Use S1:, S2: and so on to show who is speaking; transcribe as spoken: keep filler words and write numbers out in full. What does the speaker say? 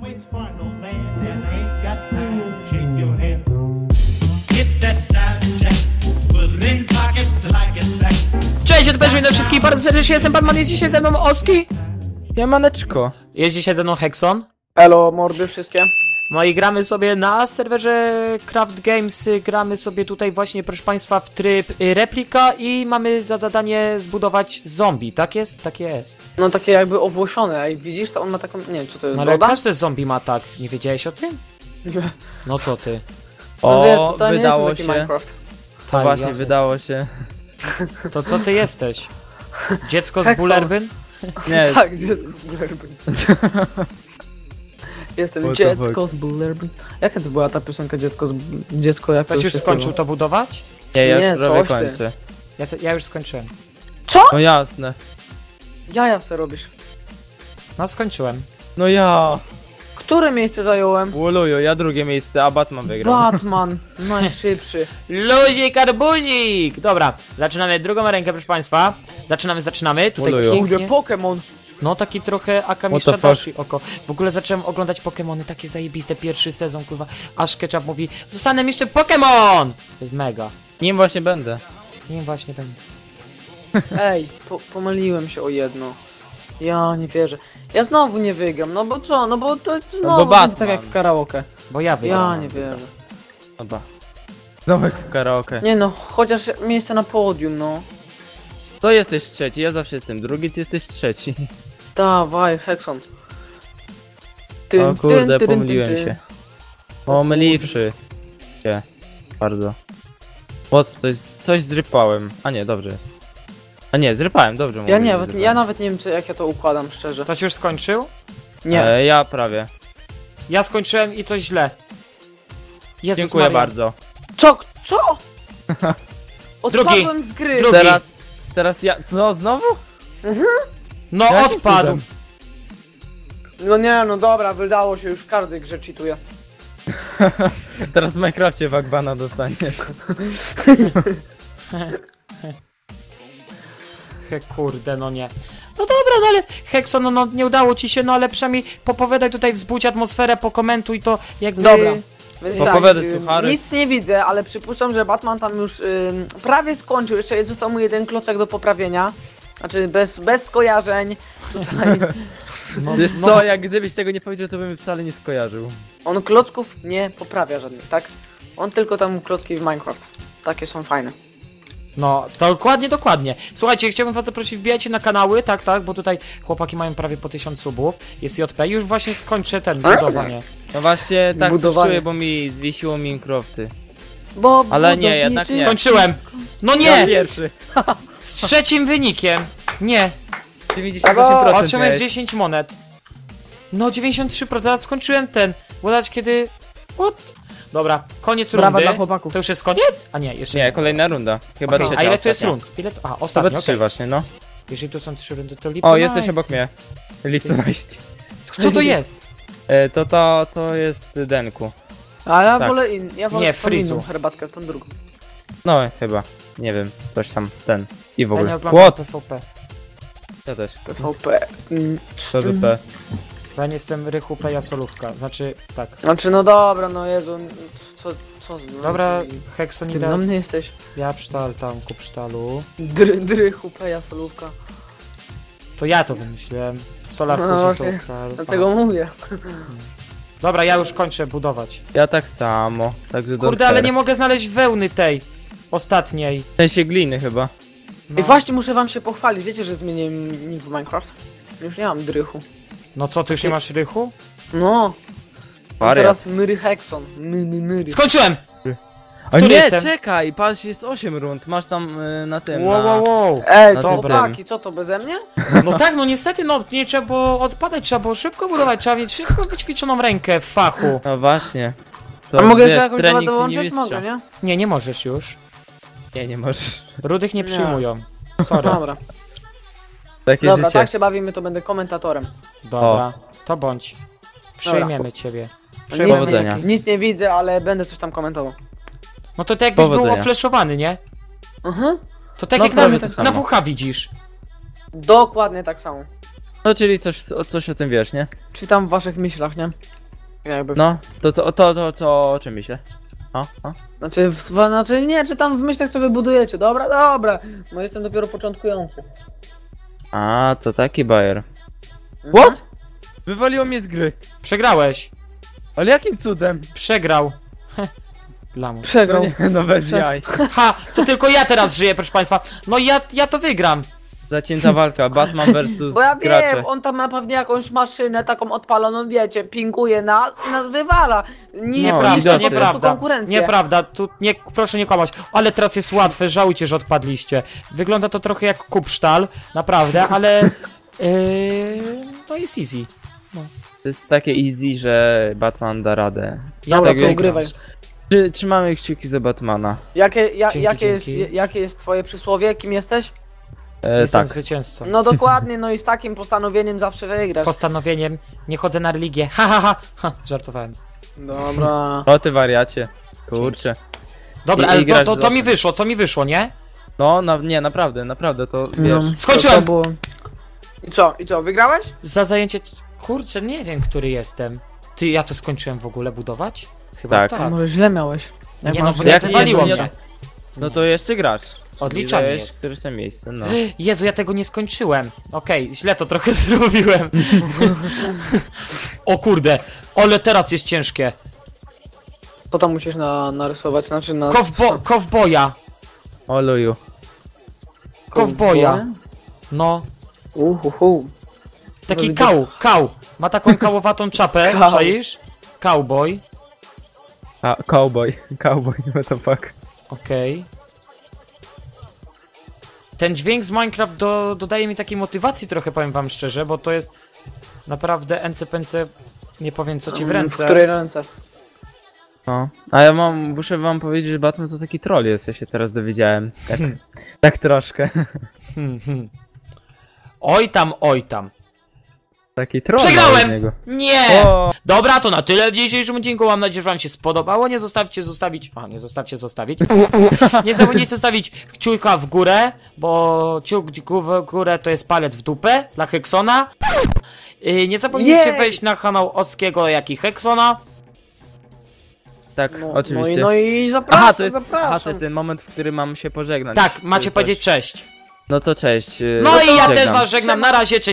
S1: waits for no man and ain't got time to shake your hand. Get that side check, put it in pockets like it's back.
S2: Cześć, odbierzmy do wszystkich, bardzo serdecznie jestem Batman, jest dzisiaj ze mną Oski.
S3: Siemaneczko.
S2: Jest dzisiaj ze mną Hexon.
S4: Elo, mordy wszystkie.
S2: No i gramy sobie na serwerze Craft Games, gramy sobie tutaj właśnie, proszę państwa, w tryb y, replika i mamy za zadanie zbudować zombie, tak jest? Tak jest.
S4: No takie jakby owłosione, a widzisz, to on ma taką, nie wiem co to jest,
S2: No ale
S4: broda?
S2: każdy zombie ma tak, nie wiedziałeś o tym? No co ty?
S4: No
S3: O,
S4: wiesz, to, to nie jest
S3: wydało
S4: taki
S3: się.
S4: Minecraft.
S3: To
S2: Tak,
S3: właśnie
S2: jasne.
S3: wydało się.
S2: To co ty jesteś? Dziecko z
S4: Hexon.
S2: Bullerbyn?
S3: Nie,
S4: Tak, dziecko z Bullerbyn. Jestem
S3: What the
S4: dziecko
S3: fuck?
S4: z Bullerbyn. Jaka to była ta piosenka dziecko z... dziecko jak to
S2: Ktoś już
S4: się
S2: skończył
S4: śpiewa?
S2: to budować?
S3: nie, ja
S4: Nie,
S3: już prawie
S4: coś ty.
S3: kończę.
S2: Ja, te, ja już skończyłem.
S3: No jasne.
S4: Jaja se robisz.
S2: No skończyłem.
S3: No ja.
S4: Które miejsce zająłem?
S3: Łoluju, ja drugie miejsce, a Batman wygrał.
S4: Batman, najszybszy.
S2: Luzik, arbuzik! Dobra, zaczynamy drugą rękę, proszę państwa. Zaczynamy, zaczynamy. Tutaj
S3: Oluju.
S4: Kurde,
S2: pięknie.
S4: Pokémon.
S2: No taki trochę Akami
S3: What the
S2: Shadashi oko. W ogóle zacząłem oglądać Pokemony, takie zajebiste, pierwszy sezon, kurwa. Aż Ketchup mówi, zostanę jeszcze Pokemon! To jest mega.
S3: Nim właśnie będę.
S2: Nie właśnie ten.
S4: Ej, po pomyliłem się o jedno. Ja nie wierzę. Ja znowu nie wygram, no bo co, no bo to znowu
S3: bo
S4: będzie tak
S3: Batman.
S4: jak w karaoke.
S2: Bo ja wygrałem.
S4: Ja nie wierzę.
S3: Dobra. Znowu jak w karaoke.
S4: Nie no, chociaż miejsce na podium, no.
S3: To jesteś trzeci, ja zawsze jestem drugi, ty jesteś trzeci.
S4: Dawaj, Hexon.
S3: O
S4: Tyn,
S3: kurde,
S4: tyn, tyn,
S3: pomyliłem
S4: tyn, tyn.
S3: się. Pomyliwszy się. Bardzo. What, coś, coś zrypałem. A nie, dobrze jest. A nie, zrypałem, dobrze mówię.
S4: Ja nie,
S3: że
S4: nawet,
S3: zrypałem.
S4: ja nawet nie wiem, czy, jak ja to układam, szczerze.
S2: Ktoś już skończył?
S4: Nie.
S3: E, ja prawie.
S2: Ja skończyłem i coś źle. Jezus
S3: Dziękuję
S2: Maria.
S3: bardzo.
S4: Co? Co? Odpadłem z gry.
S2: Drugi.
S3: Teraz, teraz ja, co, znowu?
S2: No
S3: Jakim
S2: odpadł.
S3: cudem?
S4: No nie, no dobra, wydało się, już w każdej grze cheatuję.
S3: Teraz w Minecrafcie Wagbana dostaniesz.
S2: He, kurde, no nie. No dobra, no ale Hexon, no, no nie udało ci się, no ale przynajmniej popowiadaj tutaj, wzbudź atmosferę, pokomentuj to jakby...
S4: Dobra. Więc
S3: Opowiadaj,
S4: tak, ym,
S3: suchary.
S4: nic nie widzę, ale przypuszczam, że Batman tam już ym, prawie skończył, jeszcze został mu jeden klocek do poprawienia. Znaczy bez, bez skojarzeń. Tutaj
S2: No,
S3: Wiesz
S2: no,
S3: co, jak gdybyś tego nie powiedział, to bym wcale nie skojarzył.
S4: on klocków nie poprawia żadnych, tak? On tylko tam klocki w Minecraft. Takie są fajne.
S2: No, dokładnie, dokładnie. Słuchajcie, chciałbym was zaprosić, wbijajcie na kanały, tak, tak, bo tutaj chłopaki mają prawie po tysiąc subów. Jest J P, już właśnie skończę ten, budowanie.
S3: No właśnie, tak coś
S4: Budowanie.
S3: czuję, bo mi zwiesiło Minecrafty.
S4: Bo
S3: Ale nie, jednak nie.
S2: Skończyłem! No
S3: Ja
S2: nie!
S3: pierwszy.
S2: Z trzecim wynikiem! Nie!
S3: dziewięćdziesiąt osiem procent
S2: Otrzymałeś
S3: miałeś.
S2: dziesięć monet. No, dziewięćdziesiąt trzy procent, a skończyłem ten. Władać kiedy... What? Dobra, koniec
S4: Brawa
S2: rundy.
S4: dla chłopaków.
S2: To już jest koniec? A nie, jeszcze
S3: Nie, kolejna runda. Chyba
S2: Okej,
S3: trzecia,
S2: a ile to jest
S3: ostatnia.
S2: rund? Ile to... A,
S3: To
S2: ostatnia,
S3: chyba trzy
S2: okej.
S3: właśnie, no.
S2: Jeżeli tu są trzy rundy, to
S3: O,
S2: Lipton
S3: jesteś
S2: Ice.
S3: obok mnie. Liptonized.
S2: Co to jest?
S3: E, to to, to jest Denku.
S4: Ale ja
S3: Tak.
S4: wolę in, ja wolę
S2: Nie,
S4: tą
S2: Frizu.
S4: inną herbatkę, tą drugą.
S3: No, chyba. Nie wiem, coś tam, ten. I w
S2: Ja nie
S3: ogóle.
S2: oglądam
S3: What?
S2: P V P.
S3: Ja też.
S4: P V P. Mm,
S3: To W P.
S2: Bo ja nie jestem Rychu Peja Solówka, znaczy tak.
S4: Znaczy no dobra, no Jezu, co, co? No,
S2: Dobra,
S4: ty- Ty
S2: Heksonidas,
S4: na mnie jesteś.
S2: ja psztal tam, kup psztalu.
S4: Dry, drychu, peja, solówka.
S2: To ja to wymyśliłem. Solar
S4: No
S2: Fuji
S4: właśnie,
S2: to kral.
S4: Dlatego mówię.
S2: Dobra, ja już kończę budować.
S3: Ja tak samo. Także do
S2: Kurde, ale nie mogę znaleźć wełny tej ostatniej.
S3: W sensie gliny chyba.
S2: No,
S4: I właśnie muszę wam się pochwalić, wiecie, że zmieniłem nick w Minecraft? Już nie mam drychu.
S2: no co, ty już nie masz rychu?
S4: No,
S3: Wariat.
S4: teraz myry Hexon. My, my, myry.
S2: Skończyłem!
S3: A
S2: Który
S3: nie,
S2: jestem?
S3: czekaj, patrz, jest osiem rund. Masz tam y, na tym.
S2: Wow,
S3: na...
S2: wow, wow.
S4: Ej,
S3: No
S4: to
S3: dobra.
S4: chłopaki, co to, beze mnie?
S2: No tak, no niestety, no nie trzeba było odpadać, trzeba było szybko budować, trzeba mieć szybko wyćwiczoną rękę w fachu.
S3: No właśnie. To
S4: A mogę
S3: wiesz,
S4: jeszcze jakąś
S3: trening
S4: dołączyć?
S3: ci nie
S4: Mogę,
S3: mistrza.
S4: nie?
S2: Nie, nie możesz już.
S3: Nie, nie możesz.
S2: Rudych nie
S4: Nie.
S2: przyjmują. Sorry.
S4: Dobra,
S3: Takie
S4: dobra,
S3: życie.
S4: tak się bawimy, to będę komentatorem.
S2: Dobra, to bądź. Przyjmiemy ciebie.
S4: Nic
S3: Powodzenia.
S4: nie, nic nie widzę, ale będę coś tam komentował.
S2: No to tak jakbyś był
S3: Powodzenia.
S2: ofleszowany, nie?
S4: Mhm.
S2: To tak
S3: No
S2: jak
S3: prawie
S2: na,
S3: to
S2: na
S3: samo.
S2: W H widzisz.
S4: Dokładnie tak samo.
S3: No czyli coś, coś o tym wiesz, nie?
S4: Czy tam w waszych myślach, nie? Jakby.
S3: No, to co, to, to, to o czym myślę? O, o.
S4: Znaczy, w, znaczy nie, czy tam w myślach co wybudujecie. Dobra, dobra. No jestem dopiero początkujący.
S3: A, to taki bajer.
S4: Mhm.
S3: What? Wywaliło mnie z gry.
S2: Przegrałeś.
S3: Ale jakim cudem?
S2: Przegrał. Lamus.
S4: Przegrał.
S3: No, nie, no bez
S4: Prze-
S3: jaj.
S2: Ha, to tylko ja teraz żyję, proszę państwa. No ja, ja to wygram.
S3: Zacięta walka, Batman versus
S4: Bo ja
S3: gracze.
S4: wiem, on tam ma pewnie jakąś maszynę taką odpaloną, wiecie, pinguje nas i nas wywala. Nie,
S3: No,
S2: Nieprawda,
S3: idosy.
S4: po prostu
S2: nieprawda.
S4: konkurencję.
S2: Nieprawda, tu nie, proszę nie kłamać. Ale teraz jest łatwe, żałujcie, że odpadliście. Wygląda to trochę jak Kupsztal, naprawdę, ale... Yy, to jest easy.
S3: To jest takie easy, że Batman da radę.
S2: Ja
S4: Dobra,
S3: tak
S4: to
S3: więc-
S4: ugrywaj.
S3: Czy, trzymamy kciuki za Batmana.
S4: Jakie, ja,
S2: Dzięki,
S4: jakie, jest,
S2: dzięki.
S4: jakie jest twoje przysłowie? Kim jesteś?
S3: E,
S2: Jestem
S3: tak.
S2: zwycięzcą.
S4: No dokładnie, no i z takim postanowieniem zawsze wygrasz.
S2: Postanowieniem, nie chodzę na religię. Ha, ha, ha, ha, żartowałem.
S4: Dobra.
S3: O ty wariacie. Kurczę.
S2: Dobra,
S3: I-
S2: ale
S3: i
S2: to,
S3: grać
S2: to,
S3: z
S2: to mi
S3: losem.
S2: wyszło, to mi wyszło, nie?
S3: No, na, nie, naprawdę, naprawdę, to wiesz.
S4: No.
S2: Skończyłem!
S4: To, to było... I co, i co, wygrałeś?
S2: Za zajęcie... Kurczę, nie wiem, który jestem. Ty, ja to skończyłem w ogóle budować? Chyba
S3: Tak.
S2: tak.
S4: A może źle miałeś. Jak
S2: Nie no,
S4: masz
S2: bo
S4: źle,
S2: jak
S4: to
S2: wywaliło
S3: nie-
S2: mnie.
S3: No to jeszcze grasz.
S2: Odliczanie
S3: Czyli
S2: jest.
S3: któreś tam miejsce, no.
S2: Jezu, ja tego nie skończyłem. Okej, źle to trochę zrobiłem. O kurde, ale teraz jest ciężkie.
S4: To tam musisz na, narysować, znaczy na...
S2: Kowbo kowboja.
S3: O luju.
S2: Kowboja. No,
S4: Uhuhu.
S2: taki
S4: Widzę-
S2: kał, kał. Ma taką kałowatą czapę,
S4: Kał.
S2: czaisz? Cowboy.
S3: A, cowboy. Cowboy, what the fuck.
S2: Okej. Ten dźwięk z Minecraft do, dodaje mi takiej motywacji trochę, powiem wam szczerze, bo to jest naprawdę ence-pence, nie powiem co ci w ręce.
S4: W której ręce?
S3: No. A ja mam, muszę wam powiedzieć, że Batman to taki troll jest, ja się teraz dowiedziałem. Tak, tak troszkę.
S2: Hmm, hmm. Oj tam, oj tam.
S3: Taki troll.
S2: Przegrałem!
S3: z niego.
S2: Nie!
S3: O,
S2: Dobra, to na tyle w dzisiejszym odcinku. Mam nadzieję, że wam się spodobało. Nie zostawcie zostawić... A, nie zostawcie zostawić. Nie zapomnijcie zostawić kciuka w górę, bo kciuk w górę to jest palec w dupę dla Heksona. Yy, nie zapomnijcie
S4: Jej!
S2: wejść na kanał Oskiego, jak i Heksona.
S3: tak,
S4: No,
S3: oczywiście.
S4: No i, no i zapraszam,
S3: aha, to jest,
S4: zapraszam.
S3: aha, to jest ten moment, w którym mam się pożegnać.
S2: Tak,
S3: czy
S2: macie
S3: coś.
S2: powiedzieć cześć.
S3: No to cześć. yy,
S2: No i ja
S3: żegnam.
S2: też was żegnam. Na razie, cześć.